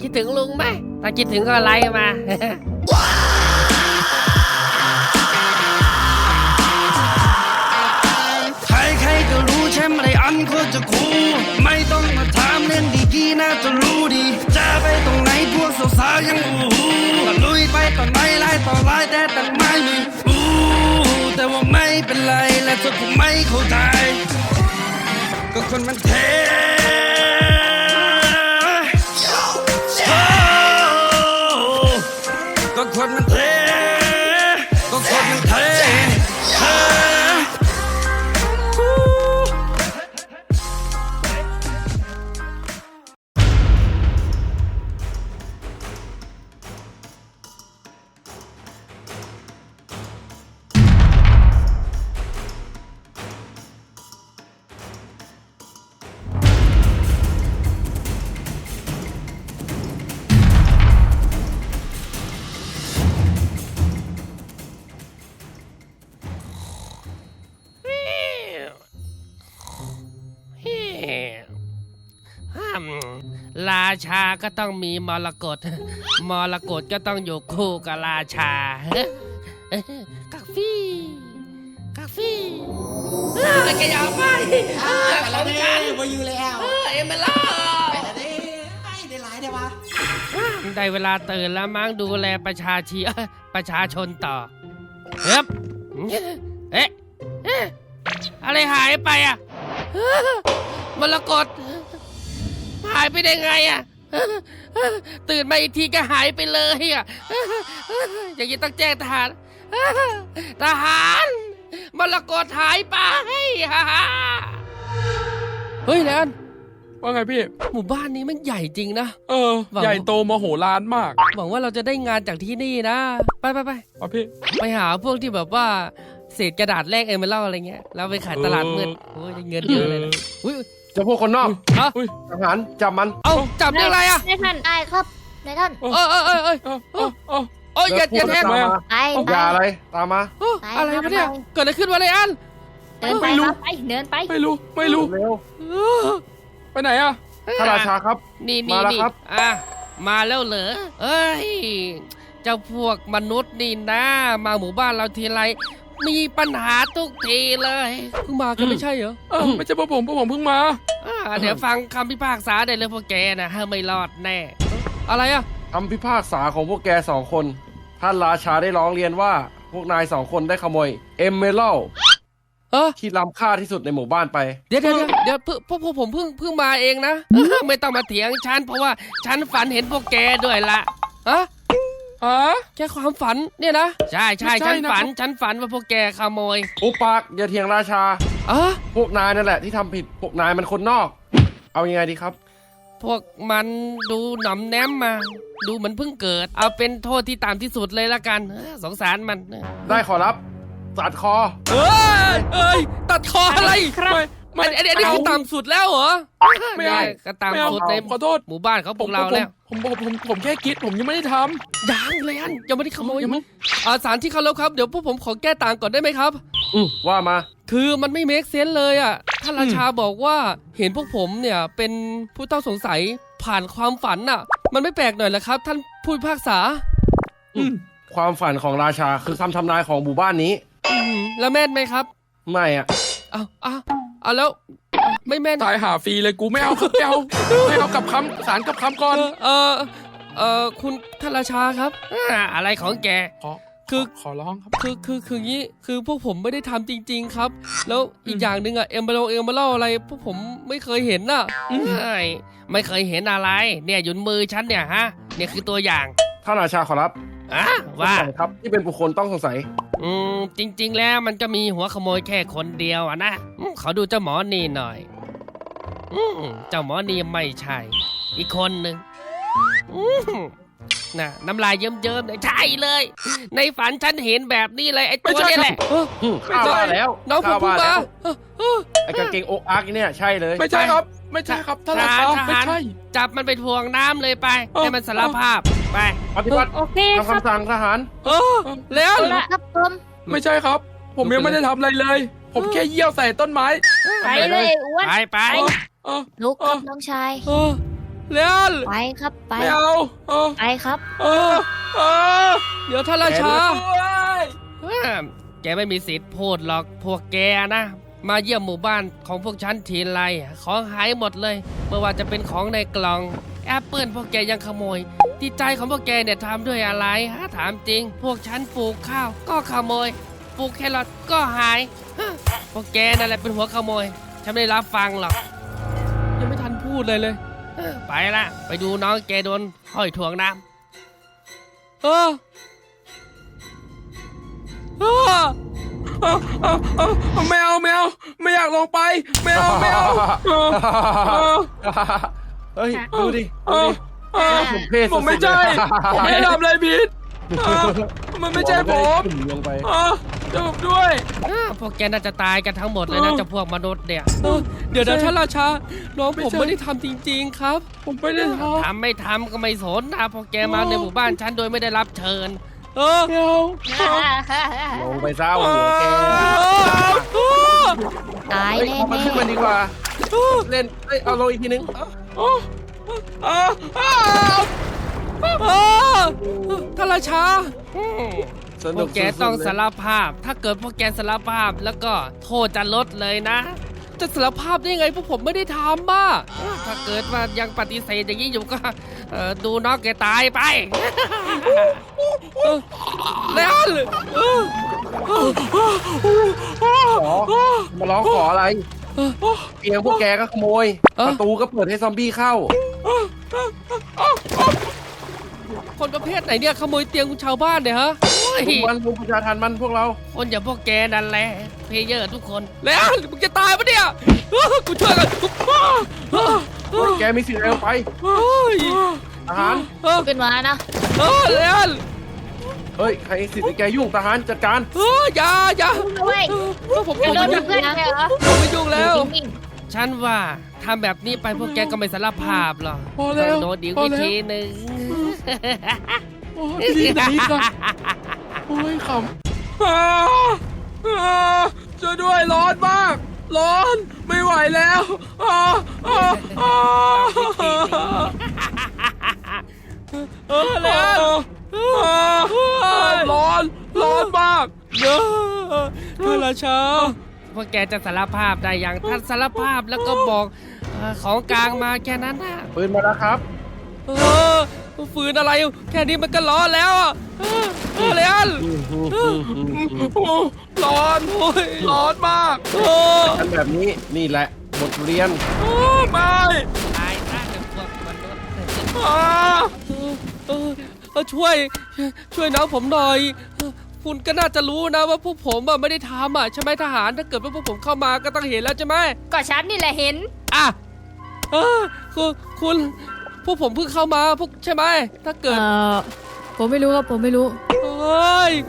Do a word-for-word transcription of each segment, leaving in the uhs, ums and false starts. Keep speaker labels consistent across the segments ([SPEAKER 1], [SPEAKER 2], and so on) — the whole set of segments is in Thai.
[SPEAKER 1] คิดถึงลุงไหมถ้าคิดถึงก็ไลน์มา
[SPEAKER 2] ใครๆก็รู้ใช่ไหมอันโคตรจะคูลไม่ต้องมาถามเล่นดีกี่น่าจะรู้ดีจะไปตรงไหนพวกสาวๆยังอู้หูก็ลุยไปต่อไหนไล่ต่อไล่แต่ตั้งไม่มีอู้แต่ว่าไม่เป็นไรและเธอคงไม่เข้าใจก็คนมันเทก็คนมันเทก็คนมันเท
[SPEAKER 1] ราชาก็ต้องมีมรกตมรกตก็ต้องอยู่คู่กับราชากาแฟกาแฟแกอยากไปเราจันมาอยู่แล้วเอ็มเบล่าได้หลายได้ปะได้เวลาตื่นแล้วมั้งดูแลประชาชีประชาชนต่อเฮ้ยเอ๊ะอะไรหายไปอ่ะมรกตหายไปได้ไงอ่ะตื่นมาอีกทีก็หายไปเลยอ่ะอย่างนี้ต้องแจ้งทหารทหารมรกตหายไปเฮ้ยแลน
[SPEAKER 3] ว่าไงพี่
[SPEAKER 1] หมู่บ้านนี้มันใหญ่จริงนะ
[SPEAKER 3] เออใหญ่โตมโหฬารมาก
[SPEAKER 1] หวังว่าเราจะได้งานจากที่นี่นะไปไปไป
[SPEAKER 3] อ๋อพี่
[SPEAKER 1] ไปหาพวกที่แบบว่าเศษกระดาษแลกเอเมอรัลอะไรเงี้ยแล้วไปขายตลาดมืดโอ้ยเงินเยอะเลยนะอุ้ย
[SPEAKER 4] จะพวกคนนอกทหารจับมัน
[SPEAKER 1] เอาจับได้ไรอ่ะ
[SPEAKER 5] นายท่านได้ครับนายท่าน
[SPEAKER 1] เออเออเออเออเออเอออย่าอย่าแทง
[SPEAKER 4] ไปอย่าอะไรตามมา
[SPEAKER 1] อะไรวะเนี่ยเกิดอะไรขึ้นวะเลยอัน
[SPEAKER 5] เดินไปครับไปเดินไป
[SPEAKER 3] ไม่รู้ไม่รู้
[SPEAKER 4] เร็ว
[SPEAKER 3] ไปไหนอ่ะ
[SPEAKER 4] พระราชาครับ
[SPEAKER 1] นี่นี่นี่อ่ะมาแล้วเหรอเอ้ยเจ้าพวกมนุษย์นี่นะมาหมู่บ้านเราทีไรมีปัญหาทุกทีเลยเพิ่งมากันไม่ใช่เหรอ
[SPEAKER 3] เออไม่ใช่พวกผมพวกผมเพิ่งมา
[SPEAKER 1] เดี๋ยวฟังคำพิพากษาได้เลยพวกแกนะไม่รอดแน่อะไรอะ
[SPEAKER 4] คำพิพากษาของพวกแกสองคนท่านราชาได้ร้องเรียนว่าพวกนายสองคนได้ขโมยเอมเมอรัลที่ล้ำค่าที่สุดในหมู่บ้านไป
[SPEAKER 1] เดี๋ยวเดี๋ยวเดี๋ยวพวกพวกผมเพิ่งเพิ่งมาเองนะไม่ต้องมาเถียงฉันเพราะว่าฉันฝันเห็นพวกแกด้วยละฮะ
[SPEAKER 3] ฮะ
[SPEAKER 1] แค่ความฝันเนี่ยนะใช่ใช่ฉันฝันฉันฝันว่าพวกแกขโมย
[SPEAKER 4] อุปากอย่าเถียงราชา
[SPEAKER 1] อ๋อ
[SPEAKER 4] พวกนายนั่นแหละที่ทำผิดพวกนายมันคนนอกเอายังไงดีครับ
[SPEAKER 1] พวกมันดูหน่อมแนมมาดูเหมือนเพิ่งเกิดเอาเป็นโทษที่ต่ำที่สุดเลยละกันสงสารมัน
[SPEAKER 4] ได้ขอรับตัดคอ
[SPEAKER 1] เอ้ยเอ้ยตัดคออะไรครับมันอันนี้คือต่ำสุดแล้วเหรอ
[SPEAKER 3] ไม่ได้
[SPEAKER 1] ก็ต่ำสุดใน
[SPEAKER 3] ขอโทษ
[SPEAKER 1] หมู่บ้านเขาพวกเราแล้ว
[SPEAKER 3] ผมผมผมผมแค่คิดผมยังไม่ได้ท
[SPEAKER 1] ำยังเลยอันยังไม่ได้ขโมยยังไม่อาสารที่เขาแล้วครับเดี๋ยวพวกผมขอแก้ต่างก่อนได้ไหมครับ
[SPEAKER 4] อือว่ามา
[SPEAKER 1] คือมันไม่เมคเซนส์เลยอ่ะท่านราชาบอกว่าเห็นพวกผมเนี่ยเป็นผู้ต้องสงสัยผ่านความฝันอ่ะมันไม่แปลกหน่อยเหรอครับท่านผู้พิพากษา
[SPEAKER 4] ความฝันของราชาคือคำทำนายของหมู่บ้านนี้
[SPEAKER 1] แล้วแม่นไหมครับ
[SPEAKER 4] ไม่อ่ะ
[SPEAKER 1] เอาเอาเอาแล้วไม่แม่น
[SPEAKER 3] ตายหาฟรีเลยกูไม่เอาไม่เอาไม่เอากับคำสารกับคำก่อน
[SPEAKER 1] เออเออคุณท่านราชาครับอะไรของแก
[SPEAKER 3] คือขอร้องครับ
[SPEAKER 1] คือคือคืองี้คือพวกผมไม่ได้ทำจริงๆครับแล้วอีกอย่างหนึ่งอะเอ็มเบลเอ็มเบลอะไรพวกผมไม่เคยเห็นน่ะไม่ไม่เคยเห็นอะไรเนี่ยอยู่มือฉันเนี่ยฮะเนี่ยคือตัวอย่าง
[SPEAKER 4] ท่านราชาขอรับ
[SPEAKER 1] อ่ะว่า
[SPEAKER 4] ครับที่เป็นบุคคลต้องสงสัย
[SPEAKER 1] อืมจริงๆแล้วมันก็มีหัวขโมยแค่คนเดียวอะนะเขาดูเจ้าหมอนี่หน่อยอืมเจ้าหมอนี่ไม่ใช่อีกคนหนึ่งอืมน่ะน้ำลายเยิ้มๆเลยใช่เลยในฝันฉันเห็นแบบนี้เลยไอ้ตัวนี้แหละ
[SPEAKER 4] ข้าว่าแล้ว
[SPEAKER 1] น้องผมมา
[SPEAKER 4] ไอ้กางเกงอกอาร์กเนี่ยใช่เลย
[SPEAKER 3] ไม่ใช่ครับไม่ใช่ครับท่านราชาไม่ใช่
[SPEAKER 1] จับมันไปทวงน้ำเลยไปให้มันสารภาพไป
[SPEAKER 4] ปฏิบัติ
[SPEAKER 5] โอเค
[SPEAKER 4] คำสั่งทหาร
[SPEAKER 1] เออแล้ว
[SPEAKER 5] ครับผม
[SPEAKER 3] ไม่ใช่ครับผมยังไม่ได้ทำอะไรเลยผมแค่เยี่ยวใส่ต้นไม้
[SPEAKER 5] ไปเลยอ้วน
[SPEAKER 1] ไปไป
[SPEAKER 5] ลุกครับน้องชาย
[SPEAKER 1] เลียน
[SPEAKER 5] ไปครับไป
[SPEAKER 3] ไม่เอาเออ
[SPEAKER 5] ไปครับ
[SPEAKER 3] เออเออ
[SPEAKER 1] เดี๋ยวท่านราชา
[SPEAKER 3] โอ้ย
[SPEAKER 1] แกไม่มีสิทธิ์พูดหรอกพวกแกนะ มาเยี่ยมหมู่บ้านของพวกฉันทีไรของหายหมดเลยไม่ว่าจะเป็นของในกล่องแอปเปิลพวกแกยังขโมยจิตใจของพวกแกเนี่ยทำด้วยอะไรฮะถามจริง พวกฉันปลูกข้าวก็ขโมยปลูกแครอทก็หายฮะพวกแกนั่นแหละเป็นหัวขโมยฉันไม่ได้รับฟังหรอกยังไม่ทันพูดเลยเลยเออไปละไปดูน้องแกโดนห้อยถ่วงน้ำเออเออ
[SPEAKER 3] เอาเอาเอาไม่เอาไม่เอาไม่อยากลงไปไม่เอาไม่เอาเออเออ
[SPEAKER 4] เฮ้ยดูดิ
[SPEAKER 3] เอ
[SPEAKER 4] ดู
[SPEAKER 3] อ
[SPEAKER 4] ดิ
[SPEAKER 3] เออ
[SPEAKER 4] ผมเพศ
[SPEAKER 3] ผมไม่ใช่ผมไม่ได้ทำอะไรผิดเออมันไม่ใช่ผม
[SPEAKER 4] ลงไป
[SPEAKER 3] เออจะผมด้วย
[SPEAKER 1] อ้าวพวกแกน่าจะตายกันทั้งหมดเลยนะ
[SPEAKER 3] เออ
[SPEAKER 1] เจะพวกมนุษย์เนี่ยเดี๋ยวนะท่านราชาน้องผม
[SPEAKER 3] ไม่ใช่
[SPEAKER 1] ไม่ได้ทำจริงๆครับ
[SPEAKER 3] ผมไม่ได้ทำ
[SPEAKER 1] ทำไม่ทำก็ไม่สนนะพวกแกมาในหมู่บ้านฉันโดยไม่ได้รับเชิญ เออ
[SPEAKER 3] ไม่เอา
[SPEAKER 4] ลงไปเศร้าหัวแก
[SPEAKER 5] ตาย
[SPEAKER 4] เฮ้ย
[SPEAKER 5] แน่
[SPEAKER 4] เอามาขึ้นมาดีกว่า เล่นเอ้ยเอาลงอีกทีนึง
[SPEAKER 3] เออเออเออ
[SPEAKER 1] เออท่านราชา
[SPEAKER 4] ส
[SPEAKER 1] พ
[SPEAKER 4] นุ
[SPEAKER 1] ว
[SPEAKER 4] ก
[SPEAKER 1] กแกต้อง
[SPEAKER 4] สุดๆเลย
[SPEAKER 1] สารภาพ ถ้าเกิดพวกแกสารภาพแล้วก็โทษจะลดเลยนะ จะสารภาพได้ไงพวกผมไม่ได้ทำอ่ะถ้าเกิดว่ายังปฏิเสธอย่างนี้อยู่ก็เอ่อดูน้องแกตายไปเออแล้วเออ
[SPEAKER 4] ขอมาร้องขออะไรเตียงพวกแกก็ขโมย ประตูก็เปิดให้ซอมบี้เข้า
[SPEAKER 1] คนประเภทไหนเนี่ยขโมยเตียงคุณชาวบ้านเนี่ยฮะโอ้ย
[SPEAKER 4] ทุกวันทุกประชาทันมันพวกเรา
[SPEAKER 1] คนอย่างพวกแกนั่นแหละเพลเยอร์ทุกคนแล้วมึงจะตายปะเนี่ยเออกูช่วยกันเออเออ
[SPEAKER 4] แกมีสิทธิ์อะไรลงไป
[SPEAKER 1] เฮ้ย
[SPEAKER 4] ทหาร
[SPEAKER 1] เออ
[SPEAKER 5] ขึ้นมานะ
[SPEAKER 1] เออแล้ว
[SPEAKER 4] เฮ้ย ใครสิทธิ์ให้แกยุ่งทหารจัดการ
[SPEAKER 1] เอออย่าอย่า
[SPEAKER 5] ด้วย
[SPEAKER 1] เออผม
[SPEAKER 5] จะ
[SPEAKER 1] ผม
[SPEAKER 5] โด
[SPEAKER 1] ไม่
[SPEAKER 5] น
[SPEAKER 1] ยุ่ง
[SPEAKER 5] เพื่อนเลยเหรอ
[SPEAKER 1] ผมไม่ยุ่งแล้ว
[SPEAKER 5] นิ่ง
[SPEAKER 1] ฉันว่าทำแบบนี้ไปพวกแกก็ไม่สารภาพหรอก
[SPEAKER 3] พอแล้ว
[SPEAKER 1] โดนอีก
[SPEAKER 3] พอ
[SPEAKER 1] วิ
[SPEAKER 3] แล้ว
[SPEAKER 1] ธีหนึ่ง
[SPEAKER 3] โอ้ยดีไหนกันโอ้ยขำอ่าอ่าช่วยด้วยร้อนมาก ร้อนไม่ไหวแล้วอ่าอ่าอ่า
[SPEAKER 1] เออแล้ว
[SPEAKER 3] อ่าอ่าร้อนร้อนมาก
[SPEAKER 1] เยอะท่านราชาพวกแกจะสารภาพได้อย่างท่านสารภาพแล้วก็บอกเอ่อของกลางมาแค่นั้นนะ
[SPEAKER 4] ปืนมาแล้วครับ
[SPEAKER 1] เออฝืนอะไร แค่นี้มันก็ร้อนแล้วอ่ะเออเออเลยอัน
[SPEAKER 3] โอ้ร้อน
[SPEAKER 1] โอ้ย
[SPEAKER 3] ร้อนมาก
[SPEAKER 1] โอ้
[SPEAKER 4] อันแบบนี้นี่แหละบทเรียน
[SPEAKER 3] โอ้ไม่
[SPEAKER 1] ตายซะเดี๋ยวพวกมนุษย์
[SPEAKER 3] อ่า
[SPEAKER 1] เออเออเออช่วย ช่วยน้องผมหน่อยเออคุณก็น่าจะรู้นะว่าพวกผมอะไม่ได้ทำอ่ะใช่ไหมทหารถ้าเกิดว่าพวกผมเข้ามาก็ต้องเห็นแล้วใช่ไหม
[SPEAKER 5] ๆก็ฉันนี่แหละเห็น
[SPEAKER 1] อ่ะเออคือคุณพวกผมเพิ่งเข้ามาพวกใช่ไหมถ้าเกิด
[SPEAKER 6] เอ่อผมไม่รู้ครับผมไม่รู้
[SPEAKER 1] เฮ้ย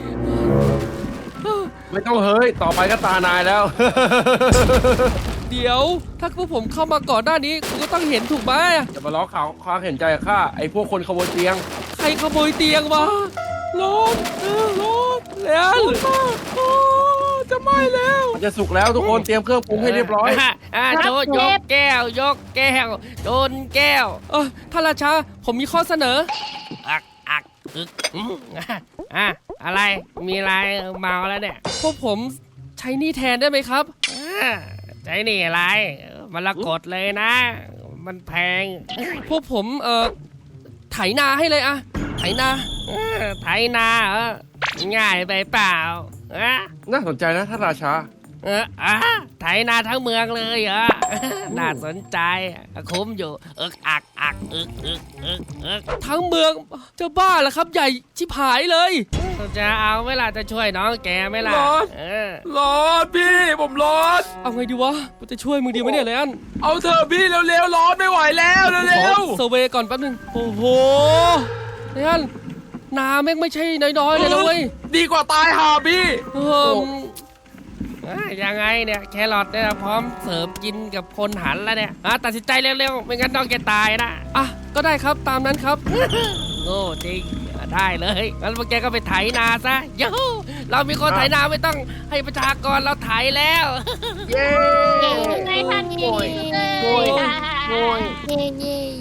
[SPEAKER 4] ไม่ต้องเฮ้ย ต่อไปก็ตานายแล้ว
[SPEAKER 1] เดี๋ยวถ้าพวกผมเข้ามาก่อนหน้านี้คุณก็ต้องเห็นถูกไหม
[SPEAKER 4] จะมาล้อข่าวความเห็นใจกับข้าไอ้พวกคนขโมยเตียง
[SPEAKER 1] ใครขโมยเตียงวะร้อนเออร้อนแล้วโอ้จะไหม้แล้ว
[SPEAKER 4] มันจะสุกแล้วทุกคนเตรียมเครื่องปรุงให้เรียบร้อย
[SPEAKER 1] ะอ่ะโจยกแก้วยกแก้วโจนแก้วเออท่านราชาผมมีข้อเสนออักอักอึกอืมอ่ะอ่ะอะไรมีอะไรเมาแล้วเนี่ยพวกผมใช้หนี่แทนได้ไหมครับอ่าใช้หนี่อะไรมันละกดเลยนะ มันแพง พวกผมเอ่อไถนาให้เลยอะไถนาเออไถนาเหรอง่ายไปเปล่าอะ
[SPEAKER 4] น่าสนใจนะท่านราชา
[SPEAKER 1] เอออ่ะไถนาทั้งเมืองเลยเหรอ น่าสนใจคุ้มอยู่เอึกอักอักอึกอึกอึกอึกทั้งเมืองจะบ้าเหรอครับใหญ่ชิบหายเลยจะเอาไหมล่ะจะช่วยน้องแกไหมล่ะเออ
[SPEAKER 3] ร้อนพี่ผมร้อน
[SPEAKER 1] เอาไงดีวะกูจะช่วยมึงดีไหมเนี่ยเลยอัน
[SPEAKER 3] เอาเถอะพี่เร็วๆร้อนไม่ไหวแล้วเร็
[SPEAKER 1] ขอ
[SPEAKER 3] ว
[SPEAKER 1] เซอร์เวย์ก่อนแป๊บนึงโอ้โหเลยอันนาแม่งไม่ใช่น้อยๆเลยนะเว้ย
[SPEAKER 3] ๆดีกว่าตายห่าพี่
[SPEAKER 1] เอออ่ะยังไงเนี่ยแครอทเนี่ยพร้อมเสิร์ฟกินกับคนหันแล้วเนี่ยอ่ะตัดสินใจเร็วๆไม่งั้นน้องแกตายนะอ่ะก็ได้ครับตามนั้นครับ โง่จริงได้เลยงั้นพวกแกก็ไปไถนาซะยูหูเรามีคนไถนาไม่ต้องให้ประชากรเราไถแล้ว
[SPEAKER 4] เย้
[SPEAKER 5] เย้ไงท่านเย้
[SPEAKER 4] โอ้ยโอ้ย
[SPEAKER 5] เย้เย้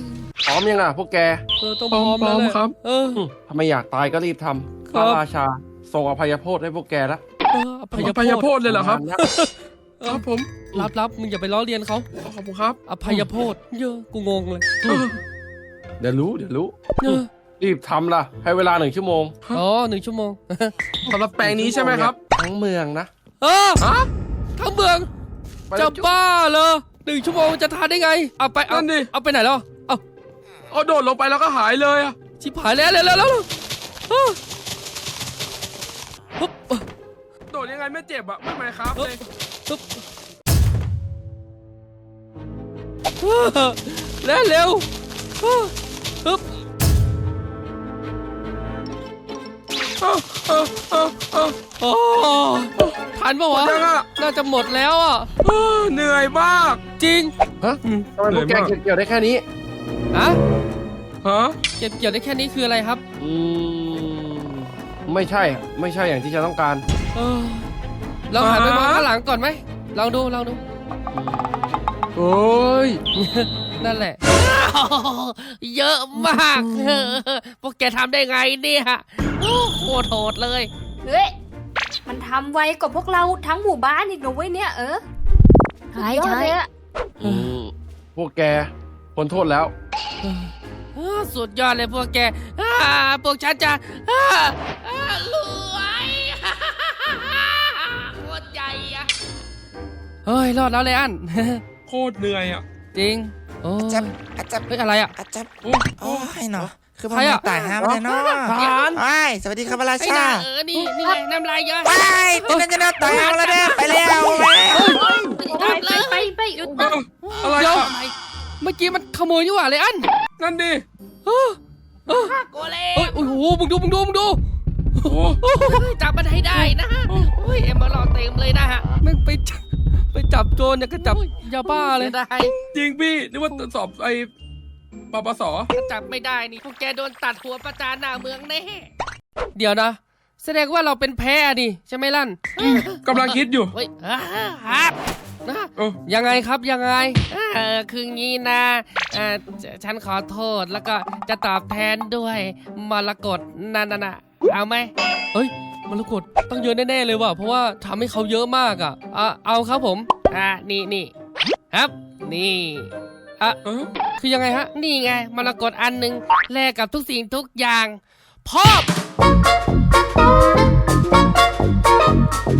[SPEAKER 4] พร้อมยังอ่ะพวกแก
[SPEAKER 1] เออต้อง
[SPEAKER 3] พร้อม
[SPEAKER 1] พร้อมแล้วแหละ
[SPEAKER 3] ครับ
[SPEAKER 1] เออ
[SPEAKER 4] อืมถ้าไม่อยากตายก็รีบทำ
[SPEAKER 1] ค
[SPEAKER 4] พ
[SPEAKER 1] รับ
[SPEAKER 4] ระราชาทรงอภัยโทษให้พวกแกแล้ว
[SPEAKER 1] เอออภัย
[SPEAKER 3] พยาโพดเลยเหรอครับ
[SPEAKER 4] ประมาณนั้น
[SPEAKER 3] ครับผม
[SPEAKER 1] รับรับมึงอย่าไปล้อเลียนเขา
[SPEAKER 3] ขอบคุณครับ
[SPEAKER 1] อภัยโทษเยอะกูงงเลย
[SPEAKER 3] เออ
[SPEAKER 4] เดี๋ยวรู้เดี๋ยวรู้
[SPEAKER 1] เออ
[SPEAKER 4] รีบทำล่ะ ให้เวลาหนึ่งชั่วโมง
[SPEAKER 1] อ๋อหนึ่งชั่วโมง
[SPEAKER 3] สำหรับแปลงนี้ใช่ไหมครับ
[SPEAKER 4] ทั้งเมืองนะ
[SPEAKER 1] เออ
[SPEAKER 3] ฮะ
[SPEAKER 1] ทั้งเมือง
[SPEAKER 4] ไป
[SPEAKER 1] จะ
[SPEAKER 4] แล้วจุ๊บ
[SPEAKER 1] บ้าเหรอหนึ่งชั่วโมงจะทานได้ไง เอาไปเอา
[SPEAKER 3] นั่นดิ
[SPEAKER 1] เอาไปไหนแล้วเอา
[SPEAKER 3] เอาโดดลงไปแล้วก็หายเลยอะ
[SPEAKER 1] ชิบหายแล้วแล้วแล้วแล้วเออปุ๊บ
[SPEAKER 3] โดดยังไงไม่เจ็บอะไม่ไหมครับเลย
[SPEAKER 1] ปุ๊บเออแล้วเร็วเออปุ๊บ
[SPEAKER 3] เออเออเออเออ
[SPEAKER 1] โอ้ทันปะวะ
[SPEAKER 3] ยังอะ
[SPEAKER 1] น่าจะหมดแล้วอ่ะ
[SPEAKER 3] เออเหนื่อยมาก
[SPEAKER 1] จริง
[SPEAKER 4] ฮะทำไมพวกแกเกี่ยวได้แค่นี้
[SPEAKER 1] ฮะ
[SPEAKER 3] ฮะ
[SPEAKER 1] เก็บเกี่ยวได้แค่นี้คืออะไรครับ
[SPEAKER 4] อืมไม่ใช่อะไม่ใช่อย่างที่ฉันต้องการ
[SPEAKER 1] เออเราหันไปมองข้างหลังก่อนไหมลองดูลองดู
[SPEAKER 4] โอ้ย
[SPEAKER 1] นั่นแหละ เยอะมากเออพวกแกทำได้ไงเนี่ยโอ้โคตรโหดเลย
[SPEAKER 7] เฮ้ย มันทำไวกว่าพวกเราทั้งหมู่บ้านอีกนะเว้ยเนี่ยเออ
[SPEAKER 5] ใช่
[SPEAKER 7] ยอด
[SPEAKER 5] ใช่
[SPEAKER 7] เลยอะ
[SPEAKER 4] อืมพวกแกพ้นโทษแล้ว
[SPEAKER 1] เออสุดยอดเลยพวกแกอ่าพวกฉันจะอ่าอ่ารวยโคตรใหญ่อะเฮ้ย รอดแล้วเลยอัน
[SPEAKER 3] โคตรเหนื่อยอะ
[SPEAKER 1] จริง โอ้
[SPEAKER 8] อาจับอาจับ
[SPEAKER 1] เฮ้ยอะไรอะ
[SPEAKER 8] อาจับ
[SPEAKER 3] โอ้
[SPEAKER 8] โอ้ยเนาะคือมัน
[SPEAKER 1] ใครอะ
[SPEAKER 8] ตายห้ามเลยเนาะ
[SPEAKER 4] ผ่าน
[SPEAKER 8] ไอ้ยสวัสดีครับพระรา
[SPEAKER 1] ไอ้
[SPEAKER 8] ชา
[SPEAKER 1] น่าเออ นี่ นี่ไงน้ำลายเยอะ
[SPEAKER 8] ไอ้ยเป็นกันจะน่าตายเอาแล้วเนี่ยไปแล้ว
[SPEAKER 7] ไปไปไปไปหยุด
[SPEAKER 3] เอออะไร
[SPEAKER 1] เดี๋ยว
[SPEAKER 3] อะ
[SPEAKER 1] เมื่อกี้มันขโมยนี่หว่าเลยอัน
[SPEAKER 3] นั่นดิ
[SPEAKER 1] เออเออ
[SPEAKER 5] โกเล
[SPEAKER 1] เฮ้ย โอ้โห มึงดู มึงดู มึงดู
[SPEAKER 3] โอ้
[SPEAKER 1] โอ้ยจับมันให้ได้นะฮะโอ้ย เอ็มมาหลอดเต็มเลยนะฮะมันไปจับไปจับโจรเนี่ยก็จับยาบ้าเลยได้
[SPEAKER 3] จริงพี่นึกว่าสอบไอ้ปปส
[SPEAKER 1] ถ้าจับไม่ได้นี่พวกแกโดนตัดหัวประจานหน้าเมืองแน่ เดี๋ยวนะ แสดงว่าเราเป็นแพ้ดิใช่ไหมลั่น
[SPEAKER 3] กำลังคิดอยู่
[SPEAKER 1] เฮ้ยอ่าครับนะ
[SPEAKER 3] เออ
[SPEAKER 1] ยังไงครับยังไงเออคืองี้นะเออฉฉันขอโทษแล้วก็จะตอบแทนด้วยมรกตนั่นน่ะเอาไหมเฮ้ยมรกตต้องเยอะแน่ๆเลยว่ะเพราะว่าทำให้เขาเยอะมากอ่ะอ่ะเอาครับผมอ่ะนี่นี่ครับนี่อ่ะ
[SPEAKER 3] เออ
[SPEAKER 1] คือยังไงฮะ นี่ไงมรกตอันหนึ่งแลกกับทุกสิ่งทุกอย่างพอบ